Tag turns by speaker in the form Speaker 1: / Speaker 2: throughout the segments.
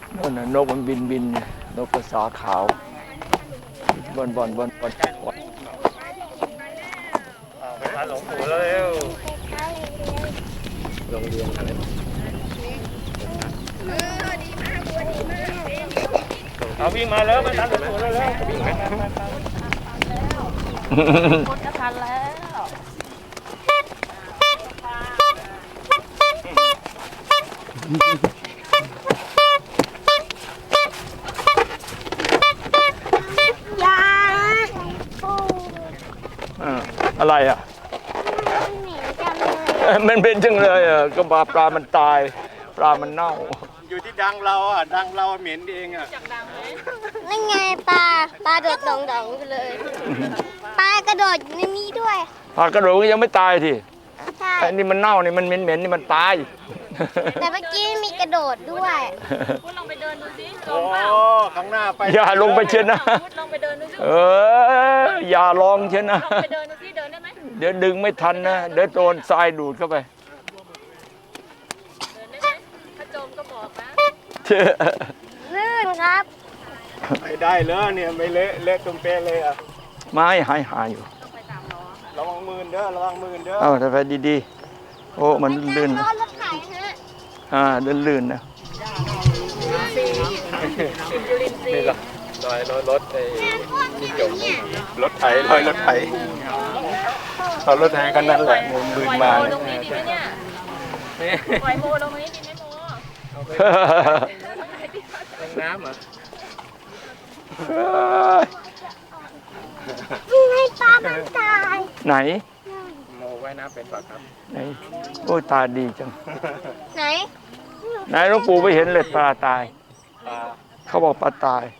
Speaker 1: นั่นน่ะนกมันบินนกกระสาขาวบน
Speaker 2: ไปหาหลวงปู่แล้วเร็วโรงเรียนอะไรเอาวิ่งมาแล้วมาทันหลวงปู่แล้ววิ่งไป
Speaker 3: หมดจะทันแล้วยา
Speaker 1: อะไรอ่ะมันเป็นจังเลยอ่ะก็ปลามันตายปลามันเน่า
Speaker 2: อยู่ที่ดังเราอ่ะดังเราเหม็นเองอ่ะ
Speaker 3: นั่นไงปลาโดดดองๆไปเลยปลากระโดดอยู่ในนี้ด้วย
Speaker 1: ปลากระโดดก็ยังไม่ตายที
Speaker 3: ใช่
Speaker 1: ไอ้นี่มันเน่านี่มันเหม็นนี่มันตาย
Speaker 3: แต่เมื่อกี้มีกระโดดด้วย
Speaker 4: คุณลองไปเดินดูสิล
Speaker 2: โอ้
Speaker 4: งเปล่า
Speaker 2: ข้างหน้าไป
Speaker 1: อย่าลงไปเช่นนะ
Speaker 4: คุณลองไปเดินดูสิ
Speaker 1: อย่าลองเช่นนะ
Speaker 4: ลองไปเดินดูสิเดินได้ไหม
Speaker 1: เดี๋ยวดึงไม่ทันนะเดี๋ยวโดนทรายดูดเข้าไป
Speaker 4: เดินได้ไหมถ้าจมก็บอกนะ
Speaker 3: ลื่นครับ
Speaker 2: ไม่ได้เลยเนี่ยไม่เละตุ้มเป๊ะเลยอ่ะ
Speaker 1: ไม้หายอยู่
Speaker 4: ต้องไปตามล้อ
Speaker 2: ระวังมือเด้อระวังมือเด้อ
Speaker 1: ถ้าไปดีๆโอ้มันลื่น
Speaker 3: รถไถฮะ
Speaker 1: ลื่นนะ
Speaker 2: นี่ล่ะรถไอ้ที่จมรถไถรถไถเอารถไถกันนั่นแหละมือมา
Speaker 4: ลงนี้ดีไหมเนี่ยปล่อยโมลงนี้ดีไหมโม
Speaker 2: น้ำเหรอ
Speaker 3: นี่ให้ปลามันตาย
Speaker 1: ไหน
Speaker 2: โมว่ายน้ำเป็นปะครับ
Speaker 1: ไหนโอ้ตาดีจัง
Speaker 3: ไหน
Speaker 1: หลวงปู่ไปเห็นเลยปลาตายเขาบอกปลาตาย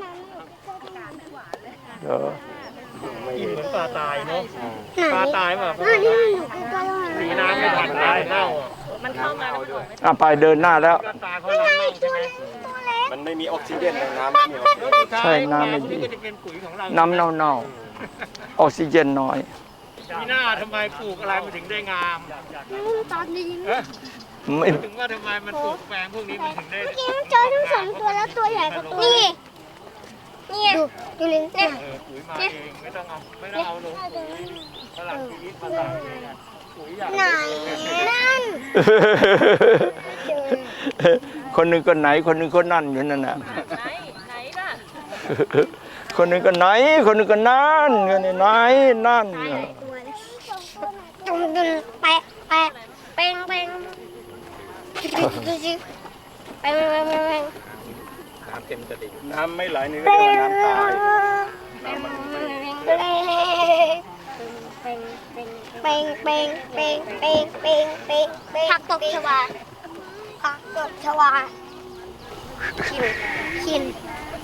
Speaker 2: กินเหมือนปลาตายเนาะปลาตายมาสีน้ำไม่ทันตายเน่า
Speaker 4: มันเข้ามาแล้ว
Speaker 1: ไปเดินหน้าแล้ว
Speaker 2: ตาเขาเน่าใช่ไหมมันไม่มีออกซิเจนในน้ำไม่มีออกซิเจน
Speaker 1: ใช่น้ำไม่ดีน้ำเน่าออกซิเจนน้อย
Speaker 2: พี่หน้าทำไมปลูกอะไรมันถึงได้งาม
Speaker 3: ตอนนี้
Speaker 1: ไม่
Speaker 2: ถึงว่าทำไมมันปลูกแปลงพวกนี้มันถึงได้
Speaker 3: เมื่อกี้เจอทั้งสองตัวแล้วตัวใหญ่กว่าตัวนี่ดูลิ้นเนี่ย
Speaker 2: ปุ๋ยมาเองไม่ต้องเอาลงตลาดชีวิตมาใส่ปุ๋ยอย่าง
Speaker 3: ไหนนั่น
Speaker 1: คนหนึ่งก็ไหนคนหนึ่งก็นั่นอยู่นั่นน่ะ
Speaker 4: ไหนล่ะ
Speaker 1: คนหนึ่งก็ไหนคนหนึ่งก็นั่นกันไหนนั่น
Speaker 3: จุ่มแปะเป่งดูสิไป
Speaker 2: น้ำเต็มตลิ่งน้ำไม่ไหลนี่ก็เรียกว่าน้ำตาย
Speaker 3: ผักตบชวาขิน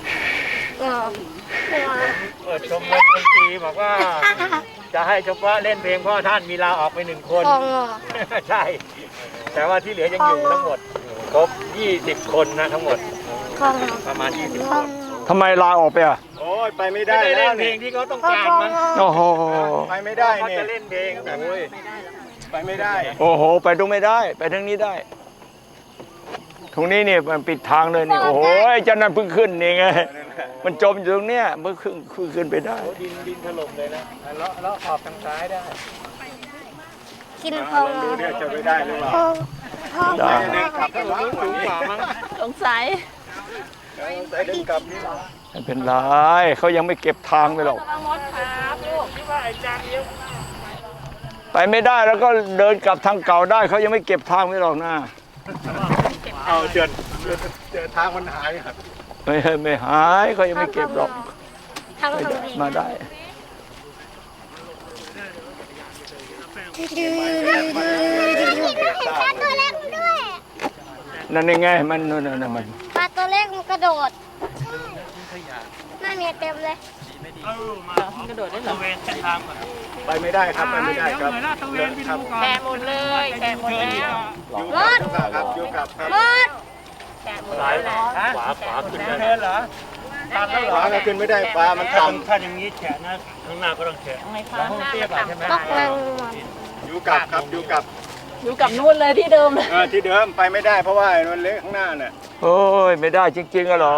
Speaker 2: ชมรมดนตรีบอกว่าจะให้เฉพาะเล่นเพลงพ่อท่านมีลาออกไป1 คนใช่แต่ว่าที่เหลือยังอยู่ทั้งหมดครบ20 คนนะทั้งหมดประมาณ20 คน
Speaker 1: ทำไมลาออกไป
Speaker 2: โอ้ยไปไม่ได้แล้วเพลงที่เขาต้องการมัน
Speaker 1: โอ้โห
Speaker 2: ไปไม่ได้เนี่ยจะเล่นเพลงโอ้ยไปไม่ได้
Speaker 1: โอ้โหไปตรงไม่ได้ไปทางนี้ได้ตรงนี้เนี่ยมันปิดทางเลยนี่โอ้โหเจ้านั่นเพิ่งขึ้นนี่ไงมันจมอยู่ตรงเนี้ยเพิ่งขึ้นไปได้
Speaker 2: ดินถล่มเลยนะแล้วขอบทางซ้ายได้
Speaker 3: กินพอง
Speaker 2: ดูเนี่ยจะไม่ได้หรือเปล่า
Speaker 1: ได้
Speaker 2: ขับรถสูงกว่ามั้ง
Speaker 4: สงสัย
Speaker 2: เดินกลับนี่
Speaker 1: ไม่เป็นไรเขายังไม่เก็บทางไปหรอก
Speaker 4: มดครับลูกที่ว่าไอ้จางเยอะ
Speaker 1: ไปไม่ได้แล้วก็เดินกลับทางเก่าได้เขายังไม่เก็บทางไปหรอกนะ
Speaker 2: เอาเจอทางมันหาย
Speaker 1: ไม่หายเขายังไม่เก็บหรอกมาได้
Speaker 3: ตัวเล็กด้วย
Speaker 1: นั่นยังไงมันนั่นมัน
Speaker 3: ปลาตัวเล็กมันกระโดดน่าเมียเต็มเลย
Speaker 4: กระโดดได้เหรอ
Speaker 2: ไปไม่ได้ครับไปไม่ได้ครับ
Speaker 4: แกะหมดเลยแกะหมดแล้ว
Speaker 3: หมด
Speaker 2: ครับอยู่กับ
Speaker 3: หมด
Speaker 4: แกะหมดแล้ว
Speaker 2: ขวาขึ้นเทินเหรอตันแล้วเหรอถ้าขึ้นไม่ได้ปลามันต่ำถ้าอย่างนี้แฉะนะข้างหน้าก็ต้องแฉะ
Speaker 4: แล้วห้องเตี้ยป่ะใช่ไหม
Speaker 2: อยู่กับ
Speaker 4: อยู่กับนู่นเลยที่เดิมเลย
Speaker 2: ที่เดิมไปไม่ได้เพราะว่ามันเละข้างหน้าน่ะ
Speaker 1: โอ้ยไม่ได้จริงๆอะเหรอ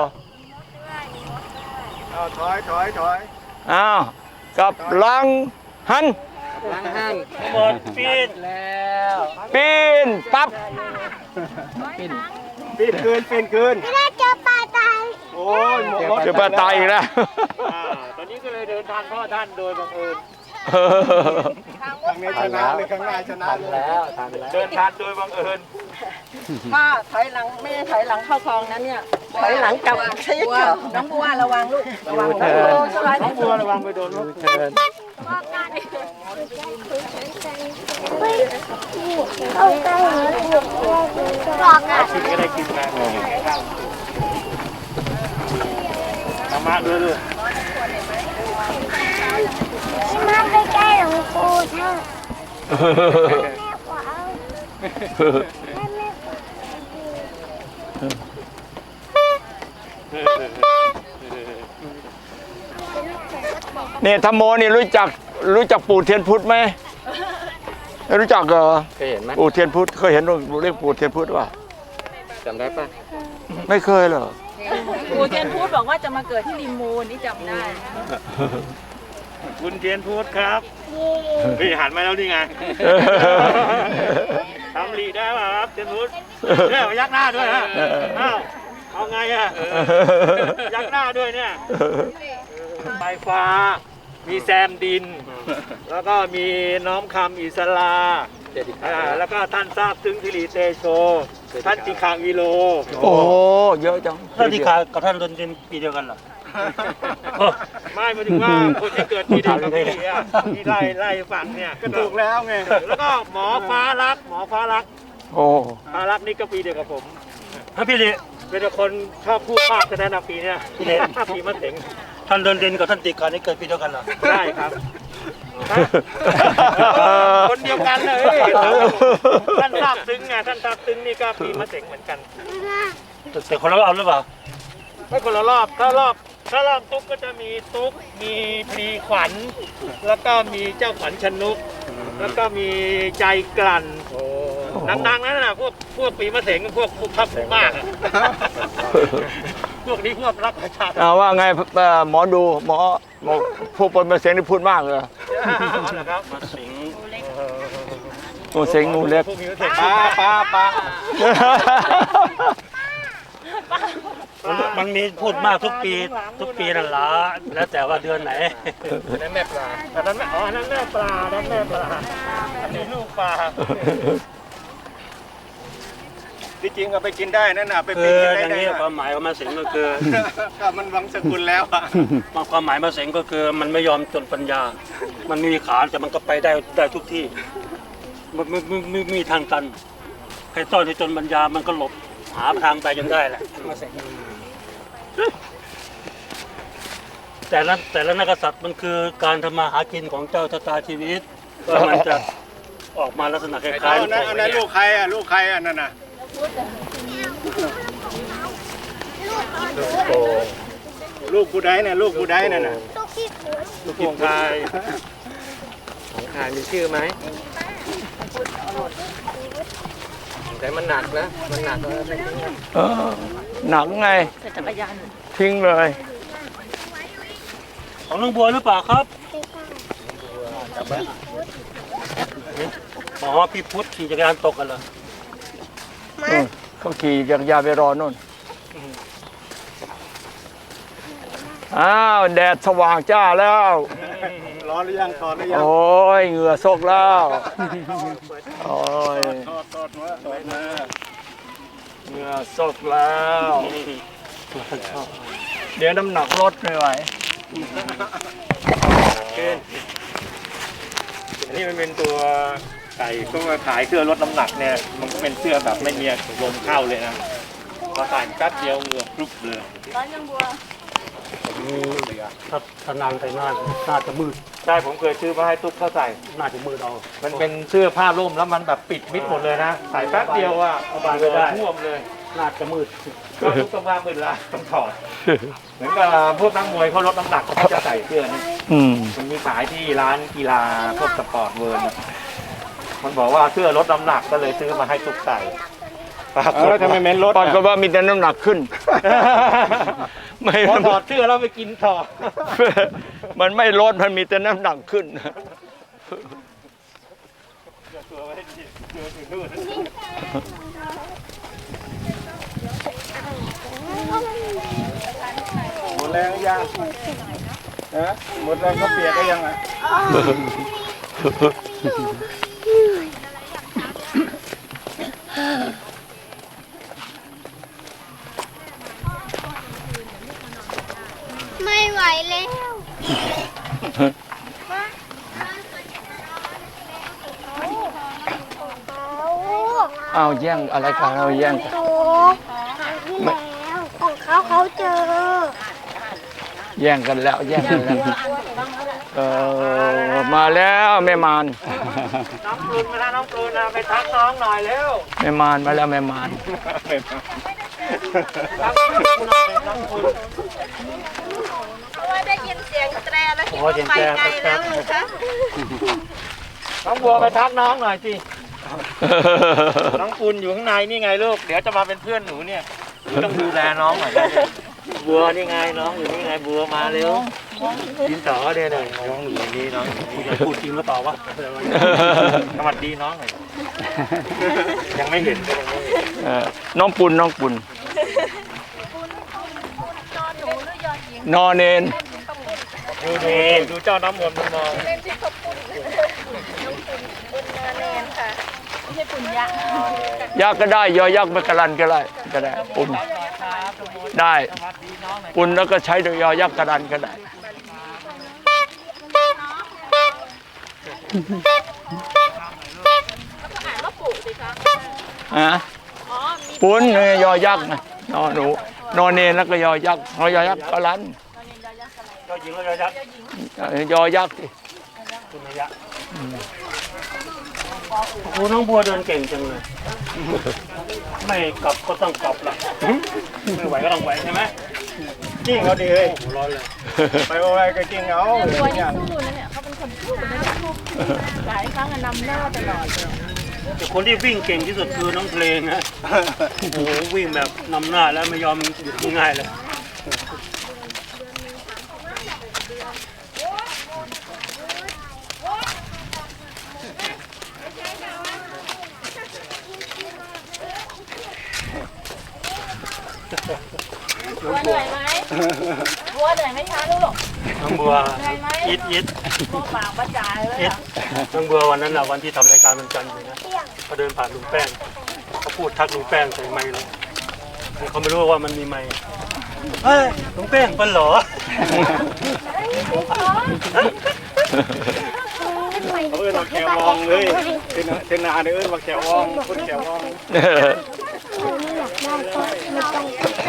Speaker 2: เอาถอย
Speaker 1: อ้าวกับลังหัน
Speaker 2: หมดปีนแล้ว
Speaker 1: ปีนปั๊บ
Speaker 2: ปีนคืน
Speaker 3: ไม่ได้เจอปลาตาย
Speaker 2: โอ้ยหมด
Speaker 1: เจอปลาตายอีกแล้ว
Speaker 2: ตอนนี้ก็เลยเดินทางพ่อท่านโดยบังเอิญ
Speaker 3: ทาง
Speaker 2: ทางนี้ชนะเลยข้างหน้าชนะแล้วเดินทางโดยบังเอิญ
Speaker 5: ป้าถอยหลังไม่ได้ถอยหลังเข้าคลองนะเนี่ยถอยหลังกลับใช่ไหมน้องบัวระวังลูกระวังน้องบัวสบาย
Speaker 2: น้องบัวระวังไปโดนลูก
Speaker 3: เอาไปบอกอ่ะ
Speaker 2: กินก็ได้กินมาธรรมะด้วยลูก
Speaker 3: มาไปใกล้หลวงปู่ท่านแม่ขวาแม่ขวา
Speaker 1: เนี่ยธรรมโมนี่รู้จักปู่เทียนพุทธไหมไม่รู้จักเหรอ
Speaker 6: เคยเห็นไหม
Speaker 1: ปู่เทียนพุทธเคยเห็นเรียกปู่เทียนพุทธป่ะ
Speaker 6: จำได้ปะ
Speaker 1: ไม่เคยเหรอ
Speaker 4: ปู่เทียนพูดบอกว่าจะมาเกิดที่ริมมูลนี่จำได้
Speaker 2: คุณเทียนพูดครับพี่หันมาแล้วนี่ไงทำลีได้ป่ะครับเทียนพูดเนี่ยยักหน้าด้วยฮะอ้าวเอาไงอะยักหน้าด้วยเนี่ยไฟฟ้า มีแซมดิน แล้วก็มีน้อมคำอิสลาแล้วก็ท่านทราบซึ้งทิริเตโช ท่านติคาวิโล
Speaker 1: โอ้โหเยอะจัง
Speaker 7: ท่านที่ขากับท่านเดินปีเดียวกันเหรอ
Speaker 2: ไม่หมายถึงว่าคนที่เกิดปีเดียวกับพี่อ่ะที่ไล่ฟังเนี่ยก็ถูกแล้วไงแล้วก็หมอฟ้ารัก
Speaker 1: โอ้
Speaker 2: ฟ้ารักนี่ก็ปีเดียวกับผม
Speaker 7: ถ้าพี่เดช
Speaker 2: เป็นคนชอบพูดมากแสดงปีเนี่ยปีมะเส็ง
Speaker 7: ท่านเดินเด่นกับท่านติการนี่เกิดปีเดียวกันเหรอ
Speaker 2: ใช่ครับคนเดียวกันเลยท่านทราบซึ้งไงท่านทราบซึ้งนี่ก็ปีมะเส็งเหมือนกัน
Speaker 7: แต่คนละรอบหรือเปล่า
Speaker 2: ไม่คนละรอบถ้ารอบตุ๊กก็จะมีตุ๊กมีพลีขวัญ แล้วก็มีเจ้าขวัญชนุก แล้วก็มีใจกลั่นดังๆนั่นน่ะพวกปีมะเสงพวกทับมากอะพวกนี้พวกรักประชาธิปไตย
Speaker 1: ว่าไงหมอดูหมอผู้ปนมาเสียงนี่พูดมากเลย
Speaker 2: นะครับ
Speaker 7: มาสิง
Speaker 1: งูเสียงงูเล็ก
Speaker 2: พวกปีมะเสงปลา
Speaker 7: มันมีพูดมากทุกปีนั่นละแล้วแต่ว่าเดือนไหน
Speaker 2: นั่นแม่ปลาอันนั้นแม่นั่นแม่ปลาอันนี้ลูกปลาที่จริงเอาไปกินได้นั่นน่ะไป
Speaker 7: คื
Speaker 2: ปิ้ง
Speaker 7: อ
Speaker 2: กิน
Speaker 7: อย่าง
Speaker 2: ได้
Speaker 7: นี้
Speaker 2: นะ
Speaker 7: ความหมายของมาสิงก็คือ
Speaker 2: ก็มันวังสกุลแล้วอะ
Speaker 7: ความหมายมาสิงก็คือมันไม่ยอมจนปัญญา มันมีขาแต่มันก็ไปได้ทุกที่มันไม่มีทางตันใครต้อนให้จนปัญญามันก็หลบหาทางไปจนได้แหละมาสิงแต่ละนักษัตริย์มันคือการทำมาหากินของเจ้าชะตาชีวิตก็มันจะออกมาลักษณะคล้ายๆ
Speaker 2: เอานั้นลูกใครอ่ะนั่นน่ะลูกกูได้น่ะนั่นน่ะ
Speaker 3: ตุ๊กที่ขูด
Speaker 2: ลูกของใคร
Speaker 6: ของขายมีชื่อไหมแต่มันหนักนะ มันหนักแล้วไม่ทิ้งนะ
Speaker 1: หนักไง
Speaker 4: แต่จักรยาน
Speaker 1: ทิ้งเลย
Speaker 7: ของน้องบัวหรือเปล่าครับอ๋อพี่พุทธขี่จักรยานตกกันเหรอ
Speaker 1: เขาขี่จักรยานไปรอนู่นอ้าวแดดสว่างจ้าแล้ว
Speaker 2: ร้อนหรือยังถอดหรือยัง
Speaker 1: โอ้ยเหงื่อซกแล้วโอ้ย
Speaker 2: ถอดมา
Speaker 1: เหงื่อซกแล้ว เดี๋ยวน้ำหนักลดไม่ไหว
Speaker 2: อันนี้มันเป็นตัวใส่ก็มาขายเสื้อลดน้ำหนักเนี่ยมันก็เป็นเสื้อแบบไม่มีลมเข้าเลยนะพอใส่แป๊บเดียวเหงื่อพรุบเลย
Speaker 4: ร้านยังบัว
Speaker 7: ถ้านานไปน่าจะมืด
Speaker 2: ใช่ผมเคยซื้อมาให้ตุ๊กเขาใส่
Speaker 7: น่าจะมืดเอา
Speaker 2: มันเป็นเสื้อผ้าร่มแล้วมันแบบปิดมิดหมดเลยนะใส่แป๊บเดียวอ่ะ
Speaker 7: สบายไม่ได้
Speaker 2: ท่วมเลย
Speaker 7: น่าจะมืด
Speaker 2: ก็ทุกสภาพมืดละต้องถอดเหมือนกับพวกนักมวยเขาลดน้ำหนักเขาจะใส่เสื้อนี้
Speaker 1: อืม
Speaker 2: มันมีขายที่ร้านกีฬาพวกสปอร์ตเวิร์มันบอกว่าเสื้อลดน้ำหนักก็เลยซื้อมาให้ตุ๊กใส่แล้วทำไมเม้นลด
Speaker 1: ปอนก็ว่ามีแต่น้ำหนักขึ้น ไม่
Speaker 2: พอถอดเสื้อแล้วไปกินต่อ
Speaker 1: มันไม่ลดมันมีแต่น้ำหนักขึ้น
Speaker 2: หมดแรงยังนะหมดแรงก็เปียกก็ยังอ่ะ
Speaker 3: ไม่ไหวแล้ว
Speaker 1: เอาแย่งอะไรกันเราแย่งกัน
Speaker 3: ถูกครั้งที่แล้วของเขาเจอ
Speaker 1: แย่งกันแล้วแย่งกันแล้วมาแล้วแม่มาร
Speaker 2: น้องปรุนมาแล้วน้องปรุนไปทักน้องหน่อยเร็ว
Speaker 1: แม่มารมาแล้วแม่มาร
Speaker 2: น้องปรุน
Speaker 5: เพราะว่าได้ยินเสียงแตรแล้วคิดว่าไปไกลแล้วเลยคะ
Speaker 2: น้องบัวไปทักน้องหน่อยสิ น้องปุณอยู่ข้างในนี่ไงลูก เดี๋ยวจะมาเป็นเพื่อนหนูเนี่ยต้องดูแลน้องหน่อยนะบัวนี่ไงน้องอยู่นี่ไงบัวมาเร็วดินต่อเนี่ยหน่อยน้องอยู่นี่น้อง
Speaker 7: จะพูดจริงหรือเปล่าวะ
Speaker 2: สวัสดีน้องหน่อยยังไม่เห็นก็ยังไม่เห็น
Speaker 1: น้องปุ่นนอนเนน
Speaker 2: ดูนี่ดูเจ้าน้ำมนต์มอง
Speaker 1: ยักษ์ก็ได้ยอยักษ์ไปกระลันก็ได้ปุ่นได้ปุ่นแล้วก็ใช้ยอยักษ์กระลันก็ได้ฮะปุ่นยอยักษ์นะนอนหนูนอนเนนแล้วก็ยอยักษ์ยอยักษ์กระลัน
Speaker 7: ก็ยิงแล้วยักษ์
Speaker 1: ยอยักษ์สิ
Speaker 7: คุณยักษ์โอ้น้องบัวเดินเก่งจังเลย ไม่กลับก็ต้องกลับละไม่ไหวก็ต้องไหวใช่ไหม
Speaker 2: จริงเขาดีเลย
Speaker 7: ร้อนเลย
Speaker 2: ไปโอ้ยก็จริงเอา
Speaker 4: ตัวนี้สู้นะเนี่ยเขาเป็นคนสู้นะหลายครั้งนำหน้าตลอดเลย
Speaker 7: แต่คนที่วิ่งเก่งที่สุดคือน้องเพลงนะโอ้โหวิ่งแบบนำหน้าแล้วไม่ยอมหยุดง่ายๆเลย
Speaker 4: บัวเหนื่อยไหมบัวเหนื่อยไหมคะลูก
Speaker 7: น้องบัว
Speaker 4: เหนื่อยไหม
Speaker 7: อิด
Speaker 4: บัวปากประจายเลย
Speaker 7: อิด
Speaker 4: อะ
Speaker 7: น้องบัววันนั้นน่ะวันที่ทำรายการวันจันทร์อยู่นะเขาเดินผ่านลุงแป้งเขาพูดทักลุงแป้งใส่ไมค์เลยเขาไม่รู้ว่ามันมีไมค์เฮ้ยลุงแป้งเป็นเหรอ
Speaker 2: เออเราแขววองเลยเทนาเด้อมาแขววองคนแขววอง
Speaker 3: ไม่อยากได้ก็ไม่ต้อง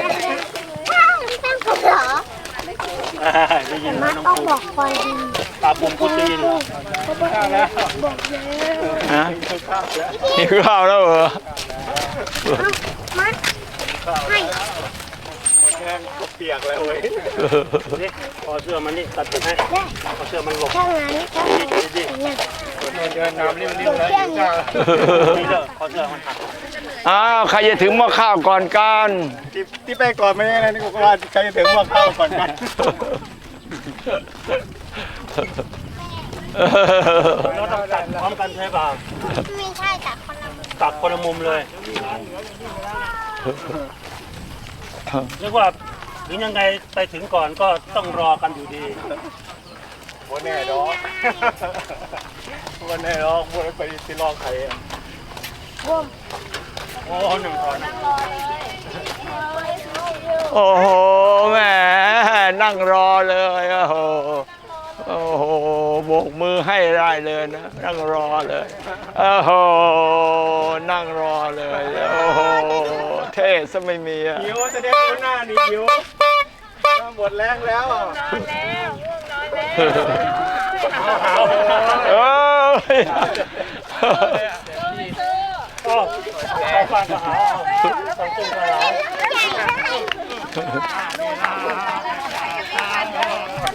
Speaker 3: ต้องเหรอ
Speaker 7: ได้ยิน
Speaker 3: มา
Speaker 7: น้อง
Speaker 3: ต้อง
Speaker 7: ปู
Speaker 3: บอกความดี
Speaker 7: ตาปุ่มพูดได้ยินเหรอ
Speaker 3: บอกแล้ว
Speaker 1: ฮะนี่ข้าวแล้วเหรอ
Speaker 3: มาให้
Speaker 2: หมดแรงก็เปียกเลยโอ้ย
Speaker 7: นี่พอเสื้อมันนี่ตัดผมให้พอเสื้อมันหลบ
Speaker 3: ถ้างั้นถ้างั้น
Speaker 2: เดินน้ำริมๆเลยจ้า
Speaker 7: นี่เด้อพอเสื้อมันหัก
Speaker 1: อ้าวใครจะถึงหม้อข้าวก่อนกัน
Speaker 2: ที่ไปก่อนไม่ได้นะนี่กูว่าใครจะถึงว่าเข้าก่อนกัน
Speaker 7: เราต้องตัดพร้อมกันใช่ป่ะ
Speaker 3: ไม่ใช่แต่คนละ
Speaker 7: ตัดคนละมุมเลยเรียกว่าถึงยังไงไปถึงก่อนก็ต้องรอกันอยู่ดี
Speaker 2: วันแน่ดอกวันแน่ดอกวันไปที่รอใครอ่ะ
Speaker 7: โอ้หนึ่งคน
Speaker 1: โอ้โหแหมนั่งรอเลยโอ้โหโอ้โหโบกมือให้ได้เลยนะนั่งรอเลยโอ้โหนั่งรอเลยโอ้โหเท่ซะไม่มีอ่ะ
Speaker 2: หิวจะได้ดูหน้านี่หิวหมดแรงแล้ว
Speaker 4: นอนแล้วง่วงนอนแล้ว
Speaker 1: เอ้ย
Speaker 7: โอ้เข้าบ้านก็หาต้องตุ้งก็หา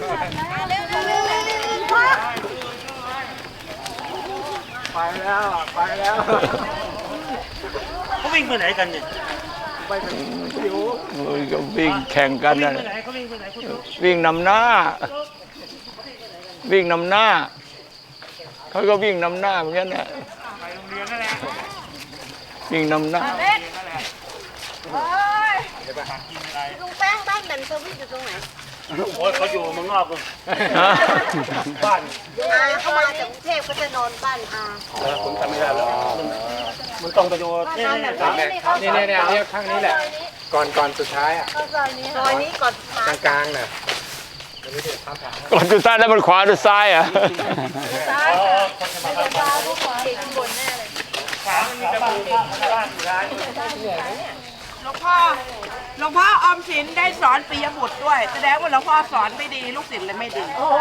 Speaker 2: ไปแล้วไปแล้ว
Speaker 7: เขาวิ่งไปไหนกันเนี่ย
Speaker 2: ไปเป็นหิว
Speaker 1: โอ้ยก็วิ่งแข่งกันนะ
Speaker 7: ไปไหนเขาวิ่งไปไหนคุณ
Speaker 1: วิ่งนำหน้า วิ่งนำหน้าเขาก็วิ่งนำหน้าเหมือนกันนะ
Speaker 2: ไปโรงเรียนนั่นแหละ
Speaker 1: วิ่งนำหน้า
Speaker 3: ลุงแป้งบ้านแบนเซอร์วิสอยู่ตรงไหน
Speaker 7: โอ้ยเขาอยู่เมืองนอกเลย
Speaker 1: ฮะ
Speaker 7: บ้าน
Speaker 3: อาเขามาจากกรุงเทพก็จะนอนบ้านอา
Speaker 7: ผมจำไม่ได้แล้วมันต้องไปดูนี่
Speaker 6: นี่ข้างนี้แหละ ก่อนสุดท้ายอ่ะ
Speaker 3: ซอยนี้ก่อนมาก
Speaker 6: ลางๆน่ะ
Speaker 1: ก่อนจุดซ้ายแล้วมันขวาหรือซ้ายอ่ะ
Speaker 5: หลวงพ่อออมสินได้สอนปิยบุตรด้วย แสดงว่าหลวงพ่อสอนไม่ดีลูกศิษย์เลยไม่ดี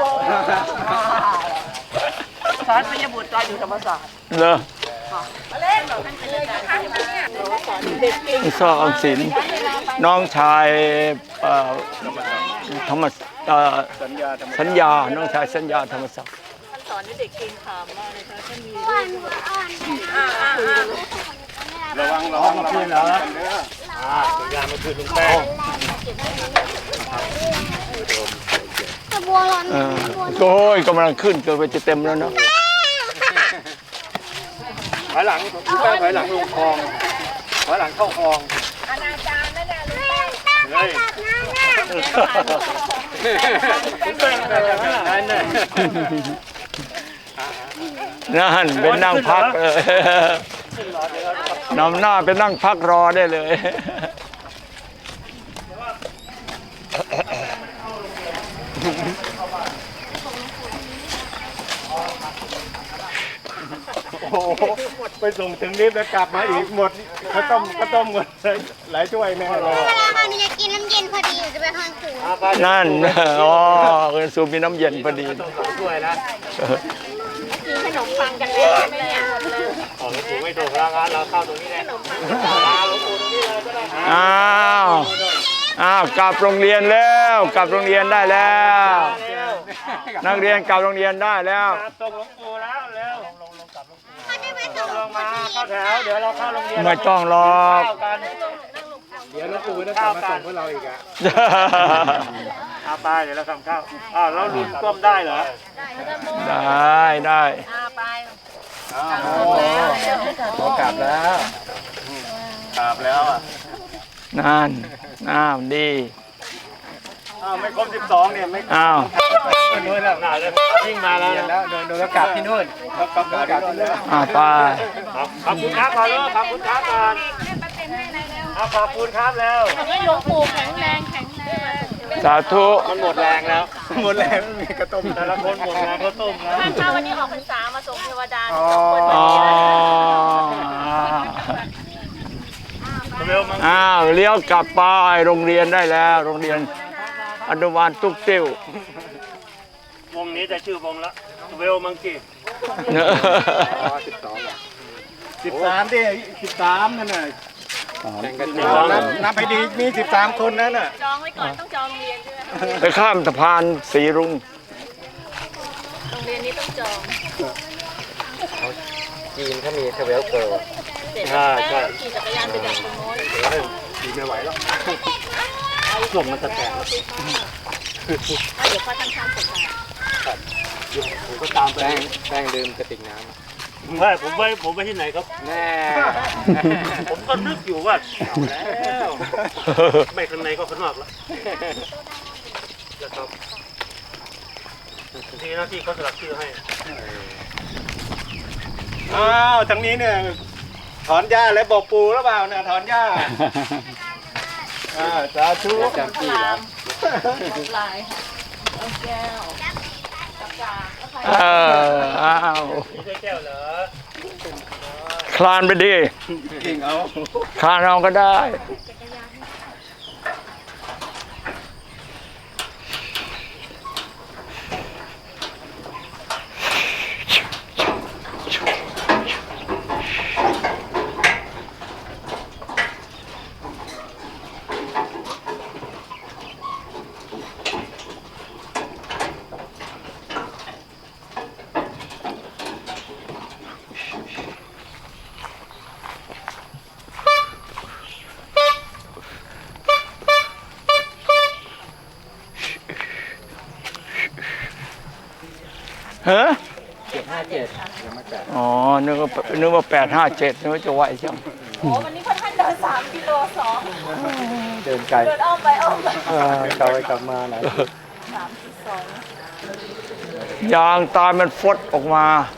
Speaker 5: สอนปิยบุตรตอนอยู่ธรรมศาสตร์
Speaker 1: เหรอสอออมสินน้องชายธรรมสัญญาน้องชายสัญญาธรรมศักดิ์
Speaker 4: สอนให้เด็กเก่งขามมากเลยค่ะท่านมี
Speaker 6: ระวังขึ้นเหรอ
Speaker 7: ยามาคืนลุงแป้ง
Speaker 3: ตะบัวร้อน
Speaker 1: โอ้ยกำลังขึ้นเกินไปจะเต็มแล้วเนาะ
Speaker 6: ถอยหลังถอยหลังลงคลองถอยหลังเข้าคลอง
Speaker 3: แป้งไปจับน้ำน่ะ
Speaker 1: นั่นเป็นนั่งพักเลยนำหน้าเป็นนั่งพักรอได้เลย
Speaker 6: โอ้โหไปส่งถึงนิฟแล้วกลับมาอีกหมดข้าวต้มหมดหลายถ้วยแน่เลย
Speaker 3: เวลาเราจะกินน้ำเย็นพอดีจะไปทางขู่
Speaker 1: นั่นอ๋อคุณสูบมีน้ำเย็นพอดี
Speaker 6: ถ้วยนะ
Speaker 4: กินขนมปังกันแล้วใช่ไหมเนี่ย
Speaker 2: หลวงปู่ไม่ถูกแล้วงั้นเราเข้าตรงนี้แหละหลวงปู่ตรงนี้เลยก็ได้
Speaker 1: อ้าวกลับโรงเรียนแล้วกลับโรงเรียนได้แล้ว นักเรียนกลับโรงเรียนได้แล้ว
Speaker 2: ตรงหลวงปู่แล้วเร็ว
Speaker 3: เขาจะไปส่ง
Speaker 2: ลงมาเข้าแถวเดี๋ยวเราเข้าโรงเรียน
Speaker 1: ไม่ต้องหรอก
Speaker 2: เข้ากัน
Speaker 6: เดี๋ยวหลวงปู่จะกลับมาส่งพวกเราอีกอ่ะ
Speaker 2: เอาไปเดี๋ยวเราทำข้าวอ้าวแล้วลุนต้มได้เหรอ
Speaker 1: ได้ได้
Speaker 6: กลับแล้วกลับแล้วอ่ะ
Speaker 1: นั่นอ้าวดี
Speaker 2: อ้าวไม่ครบ12เนี่ยไม่
Speaker 1: อ้าว
Speaker 2: นู่นแล้วยิ่งมาแล้ว
Speaker 6: แล้วโดนกลับที่นู่นกลับที่นู่น
Speaker 1: ไป
Speaker 2: ขอบคุณครับก่อนเลยขอบคุณครับก่อนขอบคุณครับแล้ว
Speaker 4: ให้หลวงปู่แข็งแรงแข็งแรง
Speaker 1: สาธุ
Speaker 2: มันหมดแรงแล้ว
Speaker 6: หมดแล้วไม่มีกระต้ม
Speaker 2: แต่ละคนหมดแรงก็ต้มแล้ว
Speaker 4: ท่านคะวันนี้ออกพรรษามาส่งเทวดา
Speaker 1: อ๋อ
Speaker 2: เร็วมั้ง
Speaker 1: อ้าวเลี้ยวกลับไปโรงเรียนได้แล้ว โรงเรียนอนุบาลตุ๊กติ้ว
Speaker 7: วงนี้จะชื่อวงละเวลมังกี้
Speaker 6: 13ที่13นั่นน่ะนับไปดีมี13คนนั่นน่ะ
Speaker 4: จองไว้ก่อนต้องจองโรงเรียนใช่ไหม
Speaker 1: ไปข้ามสะพานสีรุ้ง
Speaker 4: โรงเรียนนี้ต้องจอง
Speaker 6: จีนเขามีเทเวลเกิร์ล
Speaker 4: เสร็จแล้วแป้งขี่จักรยานไปดักตรงโน้น
Speaker 6: จีนไม่ไหวแล้ว
Speaker 7: ลมมันจะแตก
Speaker 4: เดี๋ยวพ่อทำข้ามผมมา
Speaker 7: ผมก็ตามไป
Speaker 6: แป้งดื่มกระติกน้
Speaker 7: ไม่ผมไปที่ไหนครับ
Speaker 6: ำแน่
Speaker 7: ผมก็นึกอยู่ว่าแล้วไม่ข้างในก็ข้างนอกแล้วนะครับทีหน้าที่เขาสลักชื่อให้
Speaker 6: อ้าวทางนี้เนี่ยถอนหญ้าแล้วบอกปูหรือเปล่าเนี่ยถอนหญ้าสาธุจำปีแล้ว
Speaker 4: ลายเอาแก้วจับจางแล้วใคร
Speaker 1: อ้าว
Speaker 7: นี่ใช่แก้วเหรอ
Speaker 1: คลานไปดิ
Speaker 6: จริงเอา
Speaker 1: คลานเอาก็ได้เฮ้อ
Speaker 2: 757
Speaker 1: อ๋อนึกว่า857นึกว่าจะไหวจัง
Speaker 4: โอ้วันนี้ค่อนข้างเดิน3 กิโล
Speaker 2: เดินไกล
Speaker 4: เดินอ้อมไปอ้อมมาก
Speaker 2: ลับไปกลับมาหลาย
Speaker 4: 3.2
Speaker 1: ยางตายมันฟดออกมา